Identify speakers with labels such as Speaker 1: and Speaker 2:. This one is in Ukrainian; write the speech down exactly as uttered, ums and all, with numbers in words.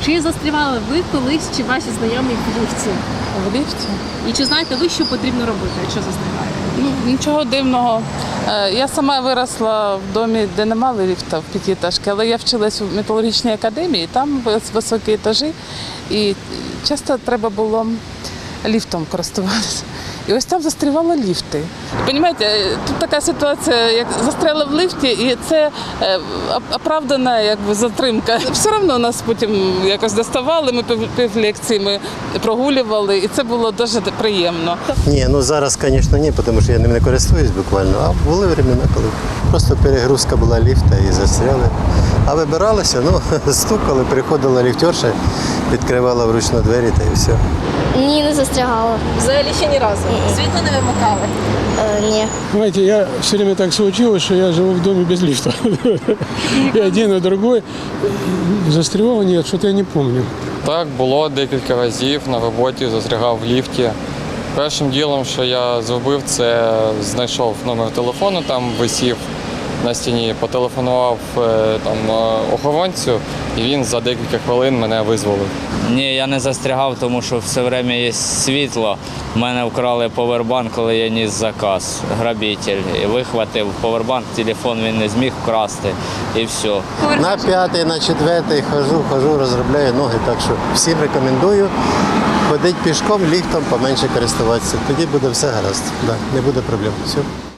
Speaker 1: Чи застрівали ви колись, чи ваші знайомі в ліфті?
Speaker 2: В ліфті?
Speaker 1: І чи знаєте ви, що потрібно робити, якщо застріваєте?
Speaker 2: Ну, нічого дивного. Е, Я сама виросла в домі, де не мали ліфта в п'ятиэтажці, але я вчилась у металургічній академії, там високі етажі, і часто треба було ліфтом користуватися. І ось там застрівали ліфти. Розумієте, тут така ситуація, як застряли в ліфті, і це е, оправдана якби, затримка. Все одно нас потім якось доставали, ми пів, пів лекції ми прогулювали, і це було дуже приємно.
Speaker 3: Ні, ну зараз, звісно, ні, тому що я ним не користуюсь буквально, а були времена, коли просто перегрузка була ліфта і застряли. А вибиралися, ну, стукали, приходила ліфтерша, відкривала вручну двері та і все.
Speaker 4: Ні, не застрягала.
Speaker 1: Взагалі ще ні разу. Світло не вимикали.
Speaker 4: Е, ні.
Speaker 5: Знаете, я все время так случилось, что я живу в доме без лифта. И один, и другой. Застревал нет, что-то я не помню.
Speaker 6: Так, було декілька разів на роботі, застрягав в ліфті. Першим ділом, що я зробив, це знайшов номер телефону, там висів на стіні, потелефонував там, охоронцю, і він за декілька хвилин мене визволив.
Speaker 7: Ні, я не застрягав, тому що все время є світло. У мене вкрали повербанк, коли я ніс заказ, грабитель. І вихватив повербанк, телефон він не зміг вкрасти і все.
Speaker 3: На п'ятий, на четвертий хожу, хожу, розробляю ноги, так що всім рекомендую ходити пішком, ліфтом, поменше користуватися. Тоді буде все гаразд, да, не буде проблем. Все.